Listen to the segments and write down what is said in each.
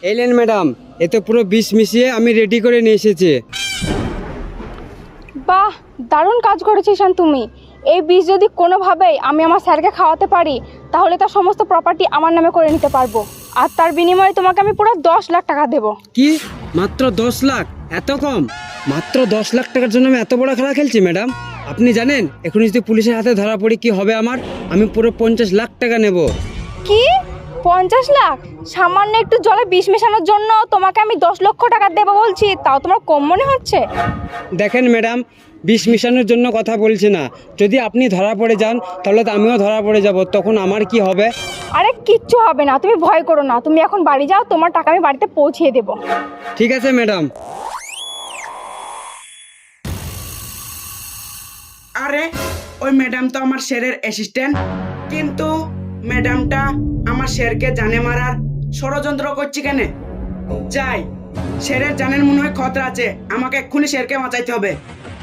এলেন ম্যাডাম, এতে পুরো বিষ মিশিয়ে আমি রেডি করে নিয়ে এসেছি। বাহ, দারুণ কাজ করেছিস শান তুমি। এই বিষ যদি কোনোভাবেই আমি আমার স্যারকে খাওয়াতে পারি তাহলে তার সমস্ত প্রপার্টি আমার নামে করে নিতে পারবো, আর তার বিনিময়ে তোমাকে আমি পুরো 10 লাখ টাকা দেবো। কি মাত্র 10 লাখ? এত কম? মাত্র 10 লাখ টাকার জন্য আমি এত বড় খেলা খেলছি ম্যাডাম? আপনি জানেন এখন যদি পুলিশের হাতে ধরা পড়ি কি হবে আমার? আমি পুরো 50 লাখ টাকা নেব। কি 50 লাখ? সামান্য একটু জলে বিষ মেশানোর জন্য তোমাকে আমি 10 লক্ষ টাকা দেবো বলছি, তাও তোমার কম মনে হচ্ছে? দেখেন ম্যাডাম, বিষ মিশানোর জন্য কথা বলছি না। যদি আপনি ধরা পড়ে যান তাহলে তো আমিও ধরা পড়ে যাব, তখন আমার কি হবে? আরে কিচ্ছু হবে না, তুমি ভয় করো না। তুমি এখন বাড়ি যাও, তোমার টাকা আমি বাড়িতে পৌঁছিয়ে দেবো। ঠিক আছে ম্যাডাম। আরে ওই ম্যাডাম তো আমার স্যারের অ্যাসিস্ট্যান্ট, কিন্তু ম্যাডামটা আমার স্যারকে জানে মারার ষড়যন্ত্র করছে কেন? যাই, স্যারের জানের মনে হয় খতরা আছে, আমাকে এক্ষুনি স্যারকে বাঁচাইতে হবে।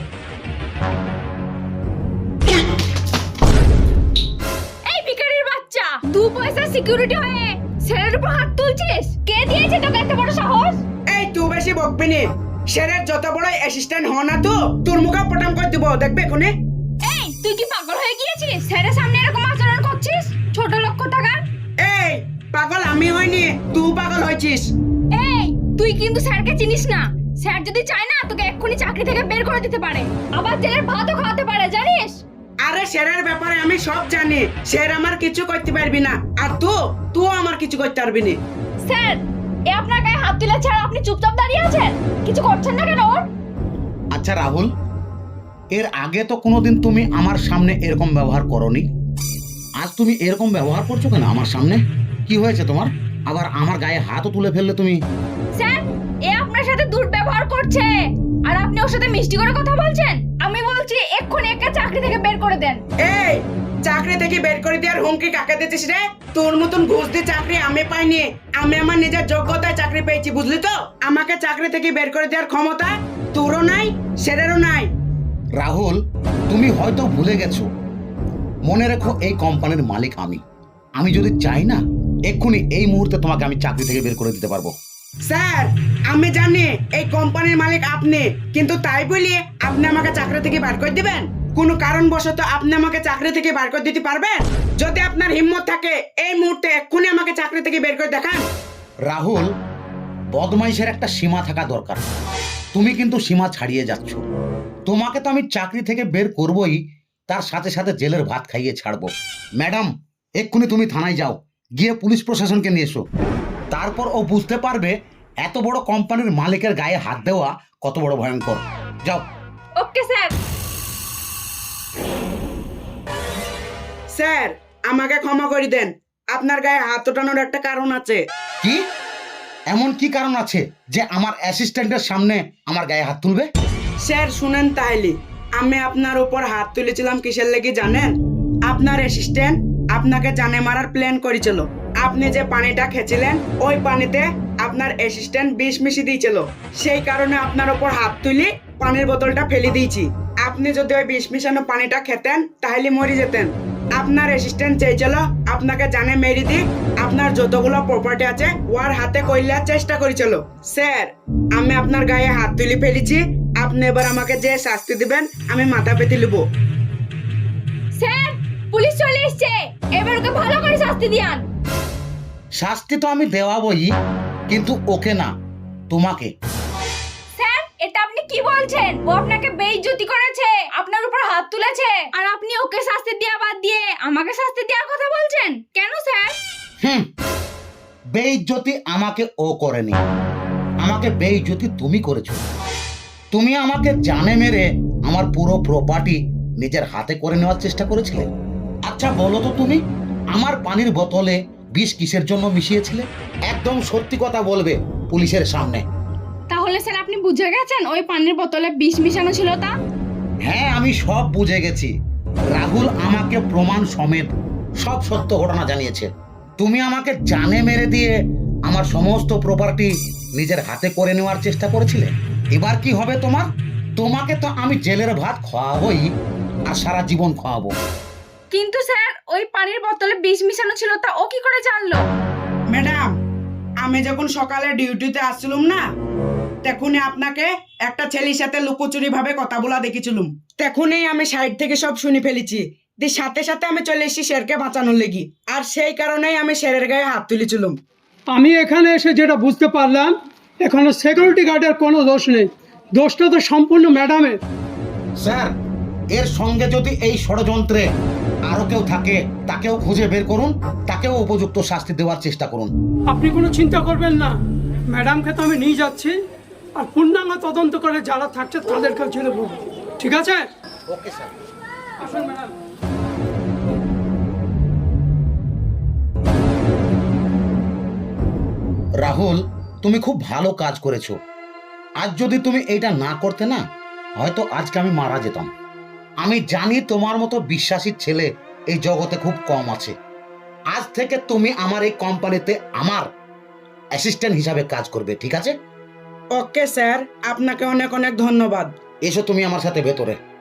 এই ভিখারির বাচ্চা, 2 পয়সা সিকিউরিটি হয়ে ছেলের উপর হাত তুলছিস? কে দিয়েছে তোকে এত বড় সাহস? এই তুই বেশি বকবি নি, স্যারের যত বড় অ্যাসিস্ট্যান্ট হ না তো তোর মুখে পটাম করে দিব, দেখবে এখনই। এই তুই কি পাগল হয়ে গিয়েছিস? ছেলের সামনে এরকম আচরণ করছিস? ছোট লক্ষ্য থাকার। এই পাগল আমি হইনি, তুই পাগল হয়েছিস। এই তুই কিন্তু স্যারকে চিনিস না। স্যার যদি চায় না তোকে এক্ষুনি চাকরি থেকে বের করে দিতে পারে, আবার জেলের ভাতও খাওয়াতে পারে, জানিস? আরে স্যারের ব্যাপারে আমি সব জানি, স্যার আমার কিছু করতে পারবি না, আর তুই আমার কিছু করতে পারবি না। স্যার, এ আপনার গায়ে হাত তুলেছে আর আপনি চুপচাপ দাঁড়িয়ে আছেন, কিছু করছেন না কেন? আচ্ছা রাহুল, এর আগে তো কোনোদিন তুমি আমার সামনে এরকম ব্যবহার করনি, আজ তুমি এরকম ব্যবহার করছো কেন আমার সামনে? কি হয়েছে তোমার? আবার আমার গায়ে হাতও তুলে ফেললে তুমি। স্যার, এ আপনার সাথে দুর্ব্যবহার করছে আর আপনি ওর সাথে মিষ্টি করে কথা বলছেন। আমি বলছি এক্ষুনি একে চাকরি থেকে বের করে দেন। এই চাকরি থেকে বের করে দেওয়ার হুমকি কাকে দিচ্ছিস রে? তোর মতন ঘুষ দিয়ে চাকরি আমি পাইনি, আমি আমার নিজের যোগ্যতায় চাকরি পেয়েছি, বুঝলি তো? আমাকে চাকরি থেকে বের করে দেওয়ার ক্ষমতা তোরও নাই, স্যারেরও নাই। রাহুল, তুমি হয়তো ভুলে গেছো, মনে রেখো এই কোম্পানির মালিক আমি। আমি যদি চাই না এক্ষুনি এই মুহূর্তে তোমাকে আমি চাকরি থেকে বের করে দিতে পারবো। স্যার আমি জানি এই কোম্পানির মালিক আপনি, কিন্তু তাই বলি আপনি আমাকে চাকরি থেকে বের করে দিবেন? কোনো কারণবশত আপনি আমাকে চাকরি থেকে বের করে দিতে পারবেন? যদি আপনার হিম্মত থাকে এই মুহূর্তে এক্ষুনি আমাকে চাকরি থেকে বের করে দেখান। রাহুল, বদমাইশের একটা সীমা থাকা দরকার। তুমি কিন্তু সীমা ছাড়িয়ে যাচ্ছ। তোমাকে তো আমি চাকরি থেকে বের করবই, তার সাথে সাথে জেলের ভাত খাইয়ে ছাড়বো। ম্যাডাম, এক্ষুনি তুমি থানায় যাও, গিয়ে পুলিশ প্রশাসনকে নিয়ে এসো। তারপর ও বুঝতে পারবে এত বড় কোম্পানির মালিকের গায়ে হাত দেওয়া কত বড় ভয়ঙ্কর। যাও। Okay sir. স্যার আমাকে ক্ষমা করে দেন, আপনার গায়ে হাত ওঠানোর একটা কারণ আছে। কি এমন কি কারণ আছে যে আমার অ্যাসিস্ট্যান্টের সামনে আমার গায়ে হাত তুলবে? স্যার শুনেন তাহলে, আমি আপনার উপর হাত তুলেছিলাম কিসের লেগে জানেন? আপনার অ্যাসিস্ট্যান্ট আপনাকে জানে মারার প্ল্যান করেছিল। আপনি যে পানিটা খেয়েছিলেন ওই পানিতে আপনার অ্যাসিস্ট্যান্ট বিষ মিশিয়ে দিয়েছিল, সেই কারণে আপনার উপর হাত তুলে পানির বোতলটা ফেলে দিয়েছি। আপনি যদি ওই বিষ মিশানো পানিটা খেতেন তাহলে মরে যেতেন। আপনার অ্যাসিস্ট্যান্ট চেয়েছিল আপনাকে জানে মেরে দিক, আপনার যতগুলো প্রপার্টি আছে ওর হাতে কইলার চেষ্টা করেছিল। স্যার আমি আপনার গায়ে হাত তুলে ফেলেছি, আপনি এবার আমাকে যে শাস্তি দিবেন আমি মাথা পেতে নেব। স্যার, পুলিশ চলে এসেছে, এবার ওকে ভালো করে শাস্তি দিয়ান। শাস্তি তো আমি দেওয়াবই, কিন্তু ওকে না, তোমাকে। স্যার, এটা আপনি কি বলছেন? ও আপনাকে বেইজ্জতি করেছে, আপনার উপর হাত তুলেছে, আর আপনি ওকে শাস্তি দেওয়া বাদ দিয়ে আমাকে শাস্তি দেওয়ার কথা বলছেন কেন স্যার? বেইজ্জতি আমাকে ও করেনি, আমাকে বেইজ্জতি তুমি করেছো। তুমি আমাকে জানে মেরে আমার পুরো প্রপার্টি নিজের হাতে করে নেওয়ার চেষ্টা করেছিলে। আচ্ছা বলো তো, তুমি আমার পানির বোতলে বিষ কিসের জন্য মিশিয়েছিলে? একদম সত্যি কথা বলবে পুলিশের সামনে। তাহলে স্যার আপনি বুঝে গেছেন ওই পানির বোতলে বিষ মিশানো ছিল তা? হ্যাঁ, আমি সব বুঝে গেছি। রাহুল আমাকে প্রমাণ সমেত সব সত্য ঘটনা জানিয়েছে। তুমি আমাকে জানে মেরে দিয়ে আমার সমস্ত প্রপার্টি নিজের হাতে করে নেওয়ার চেষ্টা করেছিলে। এবার কি হবে তোমার? তোমাকে তো আমি জেলের ভাত খাওয়াবোই, আর সারা জীবন খাওয়াবো। কিন্তু স্যার ওই পানির বোতলে বিষ মিশানো ছিল তা ও কি করে জানলো? ম্যাডাম আমি যখন সকালে ডিউটিতে আসছিলাম না, তখনই আপনাকে একটা ছেলের সাথে লুকোচুরি ভাবে কথা বলা দেখেছিলাম। তখনই আমি সাইড থেকে সব শুনে ফেলেছি। দিয়ে সাথে সাথে আমি চলে এসেছি শেরকে বাঁচানোর লেগি, আর সেই কারণেই আমি শেরের গায়ে হাত তুলেছিলাম। আমি এখানে এসে যেটা বুঝতে পারলাম, এখানে সিকিউরিটি গার্ডের কোনো দোষ নেই, দোষটা তো সম্পূর্ণ ম্যাডামের। স্যার, এর সঙ্গে যদি এই ষড়যন্ত্রে আরো কেউ থাকে তাকেও খুঁজে বের করুন, তাকেও উপযুক্ত শাস্তি দেওয়ার চেষ্টা করুন। আপনি কোনো চিন্তা করবেন না, ম্যাডামকে তো আমি নিয়ে যাচ্ছি, আর পূর্ণাঙ্গ তদন্ত করে যারা থাকছে তাদেরকেও ছেড়ে বলবো, ঠিক আছে? Okay sir. আসুন ম্যাডাম। রাহুল, তুমি খুব ভালো কাজ করেছো। আজ যদি তুমি এইটা না করতে না, হয়তো আজকে আমি মারা যেতাম। আমি জানি তোমার মতো বিশ্বাসী ছেলে এই জগতে খুব কম আছে। আজ থেকে তুমি আমার এই কোম্পানিতে আমার অ্যাসিস্ট্যান্ট হিসাবে কাজ করবে, ঠিক আছে? ওকে স্যার, আপনাকে অনেক অনেক ধন্যবাদ। এসো তুমি আমার সাথে ভেতরে।